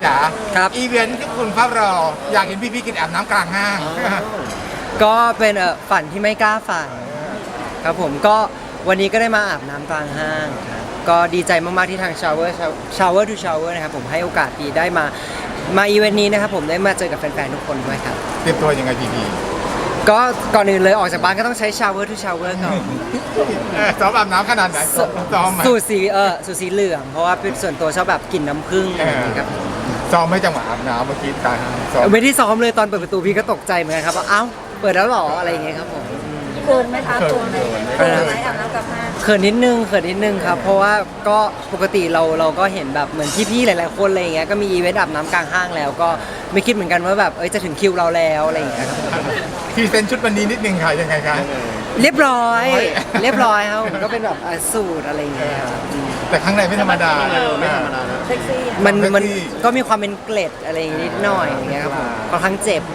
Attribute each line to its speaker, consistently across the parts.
Speaker 1: จ๋า
Speaker 2: ครับ
Speaker 1: อีเวนท์ที่คุณเฝ้ารออยากเห็นพี่กินอาบน้ำกลางห้าง
Speaker 2: ก็เป็นฝันที่ไม่กล้าฝันครับผมก็วันนี้ก็ได้มาอาบน้ำกลางห้างครับก็ดีใจมากๆที่ทาง Shower to Shower นะครับผมให้โอกาสดีได้มาอีเวนต์นี้นะครับผมได้มาเจอกับแฟนๆทุกคนด้วยครับ
Speaker 1: เตรียมตัวยังไงพี่
Speaker 2: ก็ก่อนอื่นเลยออกจากบ้านก็ต้องใช้ Shower to Shower ก่อน
Speaker 1: ซ้อมอาบน้ำขนาดไหนซ้อมไหม
Speaker 2: สูตรสีเหลืองเพราะว่าเป็นส่วนตัวชอบแบบกลิ่นน้ำผึ้งอะไรอย่างเงี้ยครับ
Speaker 1: ซ้อมไม่จังหวะอาบน้ำเมื่อกี้ตายซ้อม
Speaker 2: ไม่ได้ซ้อมเลยตอนเปิดประตูพี่ก็ตกใจเหมือนกันครับว่าเอ้าเปิดแล้วเหรออะไรอย่างเงี้ยครับผม
Speaker 3: เกินไหมคะตัวไหมเกินไหมอาบน้ำกับน้ำ
Speaker 2: เขินนิดนึงครับเพราะว่าก็ปกติเราก็เห็นแบบเหมือนพี่ๆหลายๆคนอะไรอย่างเงี้ยก็มีอีเวนต์อาบน้ำกลางห้างแล้วก็ไม่คิดเหมือนกันว่าแบบจะถึงคิวเราแล้วอะไรอย่างเงี้ยครับ
Speaker 1: พรีเซนต์ชุดวันนี้นิดนึงค่ะยังไงคะ
Speaker 2: เรียบร้อยครับผมก็เป็นแบบสูตรอะไรอย่างเงี้ยครับ
Speaker 1: แต่ข้างในไม่ธรรมดาไม่ธรรมดา
Speaker 3: เซ็กซี่
Speaker 2: มันก็มีความเป็นเกล็ดอะไรอย่างงี้นิดหน่อยอย่างเงี้ยครับผมค่อนข้างเจ็บ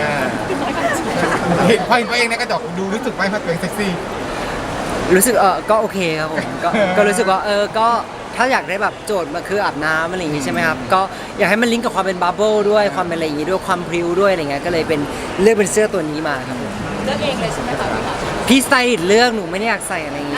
Speaker 1: เห็นพ่อเองในกระจกดูรู้สึกไหมว่าตัวเองเซ็กซี่
Speaker 2: รู้สึกก็โอเคครับผมก็รู้สึกว่าก็ถ้าอยากได้แบบโจทย์มาคืออาบน้ำอะไรอย่างงี้ใช่ไหมครับก็อยากให้มันลิงก์กับความเป็นบับเบิ้ลด้วยความเป็นอะไรอย่างงี้ด้วยความพริ้วด้วยอะไรเงี้ยก็เลยเลือกเป็นเสื้อตัวนี้มาครับผม
Speaker 3: เลือกเองเลยใช่ไหมคะ
Speaker 2: พี่สไตลิสต์เลือกหนูไม่ได้อยากใส่อะไรอย่างงี้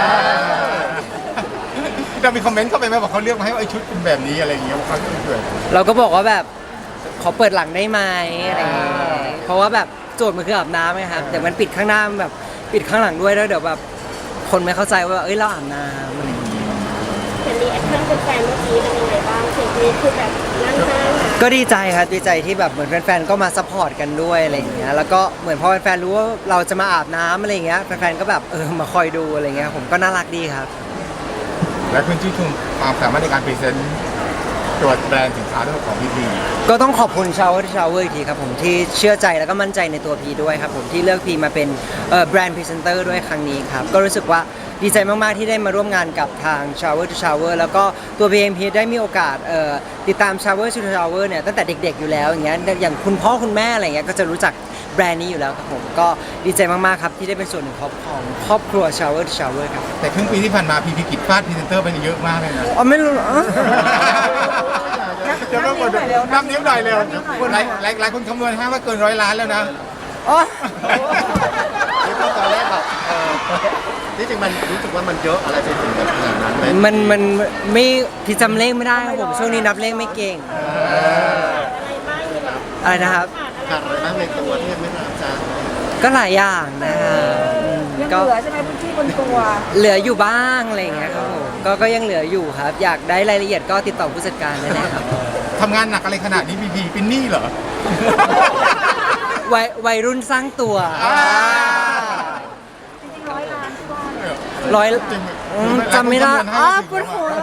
Speaker 1: เรามีคอมเมนต์เข้าไปไหมบอกเขาเลือกมาให้ว่าไอ้ชุดเป็นแบบนี้อะไรอย่างเงี้ยว่าเขาเกิด
Speaker 2: เราก็บอกว่าแบบขอเปิดหลังได้ไหมอะไรอย่างงี้เพราะว่าแบบโจทย์มันคืออาบน้ำไงครับแต่มันปิดข้างหน้ามันแบบปิดข้างหลังด้วยแล้วเดี๋ยวแบบคนไม่เข้าใจว่าเราอาบน้ำอะไรอย่างงี้
Speaker 3: เห็นรีแอคชั่นแฟนๆเมื่อกี้เป็นยังไงบ้างเห็นนี้คือแบบนั่งห้าง
Speaker 2: ก็ดีใจครับดีใจที่แบบเหมือนแฟนๆก็มาซัพพอร์ตกันด้วยอะไรอย่างเงี้ยแล้วก็เหมือนพอแฟนๆรู้ว่าเราจะมาอาบน้ำอะไรอย่างเงี้ยแฟนๆก็แบบมาคอยดูอะไรเงี้ยผมก็น่ารักดีครับ
Speaker 1: และคุณชื่นชมความสามารถในการพรีเซนต์ตัวแบรนด์สินค้าทั้งหมดของพี่
Speaker 2: ก็ต้องขอบคุณ Shower อีกทีครับผมที่เชื่อใจแล้วก็มั่นใจในตัวพีด้วยครับผมที่เลือกพีมาเป็นแบรนด์พรีเซนเตอร์ด้วยครั้งนี้ครับก็รู้สึกว่าดีใจมากๆที่ได้มาร่วมงานกับทาง Shower to Shower แล้วก็ตัวพีเองพีได้มีโอกาสติดตาม Shower to Shower เนี่ยตั้งแต่เด็กๆอยู่แล้วอย่างเงี้ยอย่างคุณพ่อคุณแม่อะไรเงี้ยก็จะรู้จักแบรนด์นี้อยู่แล้วครับผมก็ดีใจมากๆครับที่ได้เป็นส่วนหนึ่งของครอบครัว Shower to Shower ครับ
Speaker 1: แต่ครึ่งปีที่ผ่านมาพี่กิจฟาดพรีเซนเตอร์ไปเยอะมากเลยนะ
Speaker 2: อ๋อไม่รู้เหรอ
Speaker 1: จะต้องกดนับนิ้วหน่อยเร็วหลายคนคำนวณให้ว่าเกิน100 ล้านแล้วนะ
Speaker 2: อ๋อ
Speaker 4: ตอนแรกแบบที่จริงมันรู้สึกว่ามันเยอะอะไรไปถึงแบบขนาดนั้นไหม
Speaker 2: มันไม่พี่จำเลขไม่ได้ครับผมช่วงนี้นับเลขไม่เก่งอะไรนะครับ
Speaker 4: ขาดอะไรบ้างในตัวที่ยังไม่รับจ้า
Speaker 2: ก็หลายอย่างนะครับ
Speaker 3: ยัง
Speaker 2: ก็
Speaker 3: เหลือใช่ไหมพื้นที่บนตัว
Speaker 2: เหลืออยู่บ้างอะไรอย่างเงี้ยครับผมก็ยังเหลืออยู่ครับ อยากได้รายละเอียดก็ติดต่อผู้จัดการได้เลยครับ
Speaker 1: ทำงานหนักอะไรขนาดนี้พี่เป็นหนี้เหรอ
Speaker 2: วัยรุ่นสร้างตัว
Speaker 3: จริงๆ100 ล้านที่ว่าเนี่ย
Speaker 2: ร้อย
Speaker 1: จริง
Speaker 2: จำไม่ได้ปวดหัว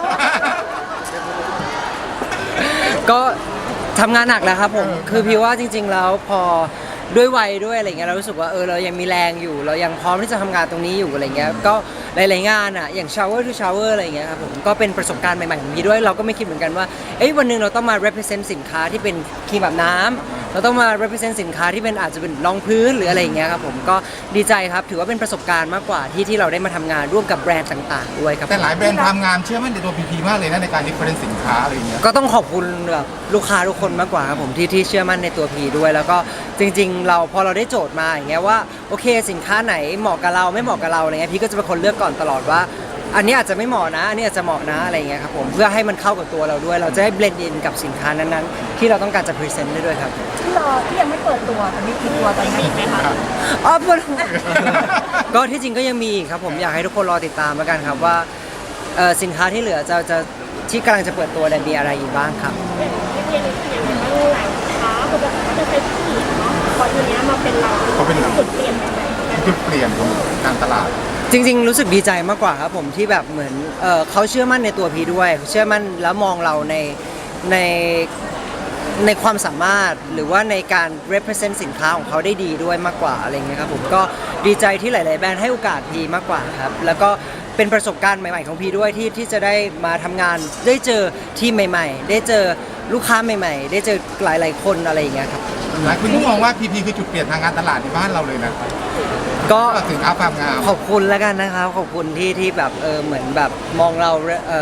Speaker 2: ก็ทำงานหนักแล้วครับผมคือพี่ว่าจริง ๆ แล้วพอด้วยวัยด้วยอะไรเงี้ยเรารู้สึกว่าเรายังมีแรงอยู่ เรายังพร้อมที่จะทำงานตรงนี้อยู่อะไรเงี้ยก็หลายๆงานอ่ะอย่าง Shower to Shower อะไรเงี้ยครับผมก็เป็นประสบการณ์ใหม่ๆของพี่ด้วยเราก็ไม่คิดเหมือนกันว่าวันหนึ่งเราต้องมา represent สินค้าที่เป็นครีมอาบน้ำเราต้องมา represent สินค้าที่เป็นอาจจะเป็นรองพื้นหรืออะไรอย่างเงี้ยครับผมก็ดีใจครับถือว่าเป็นประสบการณ์มากกว่าที่เราได้มาทำงานร่วมกับแบรนด์ต่างๆด้วยครับ
Speaker 1: แต่หลายแบรนด์ทำงานเชื่อมั่นในตัวพีมากเลยนะในการดิฟเฟอเรนซ์สินค้าอะไรอย่างเงี้ย
Speaker 2: ก็ต้องขอบคุณแบบลูกค้าทุกคนมากกว่าครับผมที่เชื่อมั่นในตัวพีด้วย แล้วก็จริงๆเราพอเราได้โจทย์มาอย่างเงี้ยว่าโอเคสินค้าไหนเหมาะกับเราไม่เหมาะกับเราอะไรเงี้ยพี่ก็จะเป็นคนเลือกก่อนตลอดว่า อันนี้อาจจะไม่เหมาะนะอันนี้อาจจะเหมาะนะอะไรเงี้ยครับผมเพื่อให้มันเข้ากับตัวเราด้วย เราจะได้เบลนด์อินกับสินค้านั้นๆที่เราต้องการจะพรีเซนต์ได้ด้วยครับ
Speaker 3: ที่ยังไม่เปิดตัวแต่มีกี่ตัวตอนนี้ไหมคะ
Speaker 2: อ๋อปวดหัวก็ที่จริงก็ยังมีอีกครับผมอยากให้ทุกคนรอติดตามแล้วกันครับว่าสินค้าที่เหลือจะที่กำลังจะเปิดตัวเนี่ยมีอะไรอีกบ้างครับ
Speaker 3: ที่เรียนอย่างว่าหลายค้าเขาจะใช้ผู้หญิงเนาะพอทีนี้มาเป็นเรา
Speaker 1: เขาเป็นเรา
Speaker 3: จุดเปลี่ยนยังไง
Speaker 1: จุดเปลี่ยนของการตลาด
Speaker 2: จริงๆรู้สึกดีใจมากกว่าครับผมที่แบบเหมือนเขาเชื่อมั่นในตัวพีด้วย เชื่อมั่นแล้วมองเราในในความสามารถหรือว่าในการ represent สินค้าของเขาได้ดีด้วยมากกว่าอะไรเงี้ยครับผมก็ดีใจที่หลาย ๆ แบรนด์ให้โอกาสพีมากกว่าครับแล้วก็เป็นประสบการณ์ใหม่ๆของพีด้วยที่จะได้มาทำงานได้เจอทีมใหม่ ๆ ได้เจอลูกค้าใหม่ ๆ ได้เจอหลายๆคนอะไรอย่างเงี้ยครับ
Speaker 1: หลายคนก็มองว่าพีคือจุดเปลี่ยนทางการตลาดในบ้านเราเลยนะ
Speaker 2: ก็
Speaker 1: สินค้าความงาม
Speaker 2: ขอบคุณแล้วกันนะครับขอบคุณที่แบบเหมือนแบบมองเรา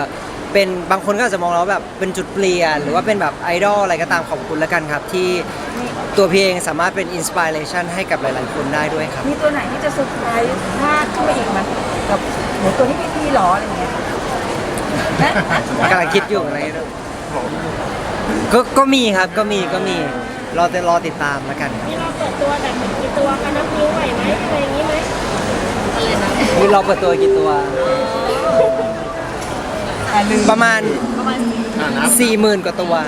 Speaker 2: เป็นบางคนก็อาจจะมองเราแบบเป็นจุดเปลี่ยนหรือว่าเป็นแบบไอดอลอะไรก็ตามขอบคุณแล้วกันครับ ที่ตัวพี่เองสามารถเป็นอินสปิเรชันให้กับหลายๆคนได้ด้วยครับ
Speaker 5: มีตัวไหนที่จะเซอร์ไพรส์พลาดขึ้นมาอีกไหมกับหนูตัวที่พี่หรออะไรอย่างเงี้ยนะ
Speaker 2: กำลังคิดอยู่อะไรด้วยก็มีครับก็มีรอติดตามแล้วกันครับ
Speaker 3: นี่เราเปิดตัวแบบเหมือนกี่ตัวกันนับนิ้วไหวไหมอะไรอย่างนี้ไหมอะไรนะ
Speaker 2: นี่เราเปิดตัวกี่ตัว ประมาณ 40,000 กว่าตัว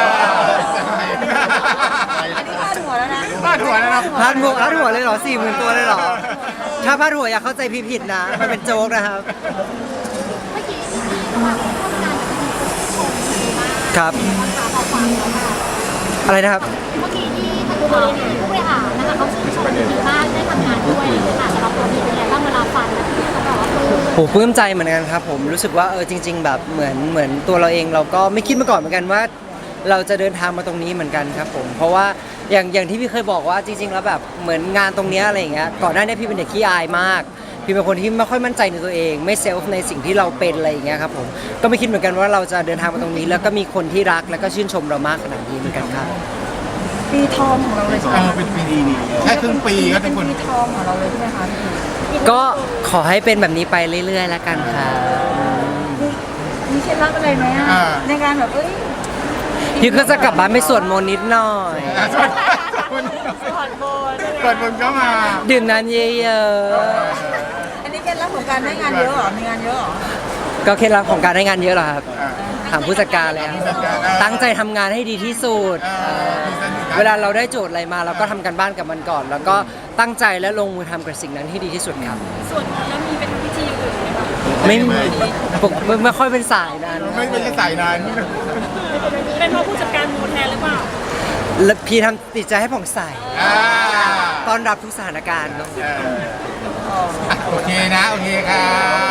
Speaker 5: อันนี้พลาดหัวแล้วนะ
Speaker 1: พลาดหัวแล้วนะ
Speaker 2: พาดหัวเลยเหรอ 40,000 ตัวเลยเหรอ ถ้าพาดหัวอย่าเข้าใจพี่ผิดนะ มันเป็นโจ๊กนะครับ
Speaker 3: เมื่อกี้ที่มาร่วมงานกับพี่ชมดีมาก
Speaker 2: ครับ
Speaker 3: นะคะขอฟังแล้วค่ะ
Speaker 2: อะไรนะครับ
Speaker 3: เมื่อกี้ที่ทางผู้บริหารนะคะเขาชื่นชมดีมากได้ทำงานด้วยค่ะสำหรับตัวพี่เป็นไงบ้างเวลาฟังแล้วพี่เขาบอกว่าปลื้ม
Speaker 2: โหปลื้มใจเหมือนกันครับผมรู้สึกว่าจริง ๆ แบบเหมือนตัวเราเองเราก็ไม่คิดมาก่อนเหมือนกันว่า เราจะเดินทางมาตรงนี้เหมือนกันครับผมเพราะว่าอย่างที่พี่เคยบอกว่าจริง ๆ แล้วแบบเหมือนงานตรงเนี้ยอะไรอย่างเงี้ยก่อนหน้านี้พี่เป็นเด็กขี้อายมากพี่เป็นคนที่ไม่ค่อยมั่นใจในตัวเอง ไม่เซลฟ์ในสิ่งที่เราเป็นอะไรอย่างเงี้ยครับผมก็ไม่คิดเหมือนกันว่าเราจะเดินทางมาตรงนี้ แล้วก็มีคนที่รักแล้วก็ชื่นชมเรามากขนาดนี้เหมือนกันครับ
Speaker 5: ปีทองของเราเลยใช่ไหมคะ
Speaker 1: เป็นปีดีนี่แค่ครึ่งปีก็ทุกคน
Speaker 5: ปีทองของเราเลยใช่ไหมคะพี่
Speaker 2: ก็ขอให้เป็นแบบนี้ไปเรื่อยๆแล้วกันค่ะ
Speaker 5: มีเคล็ดลับอะไรไหมอะในการแบบ
Speaker 2: พี่ก็จะกลับบ้านไปสวดมนต์นิดหน่อย
Speaker 3: ผ่อนโบน
Speaker 1: เปิดมึงก็มา
Speaker 2: ดื่มน้ำเยอะ
Speaker 5: อันนี้เคล็ดลับของการได้งานเยอะเหรอมีงานเยอะเหรอ
Speaker 2: ๆก็เคล็ดลับของการได้งานเยอะเหรอครับถามผู้จัดการแล้วตั้งใจทำงานให้ดีที่สุดเวลาเราได้โจทย์อะไรมาเราก็ทำกันบ้านกับมันก่อน แล้วก็ตั้งใจและลงมือทำกับสิ่งนั้นให้ดีที่สุดครับ
Speaker 3: ส่วนแล้วมีเป็นพิธีอื่นไหมคะ
Speaker 2: ไม่ค่อยเป็นสายนั้น
Speaker 1: ไม่เป็นสายนั้น
Speaker 3: เป็นเพราะผู้จัดการมูลแทนหรือเปล่า
Speaker 2: แล้วพี่ทำติดใจให้ผ่องใส
Speaker 1: อ่า
Speaker 2: ต้อนรับทุกสถานการณ์เนอะ
Speaker 1: โอเคนะ โอเคครับ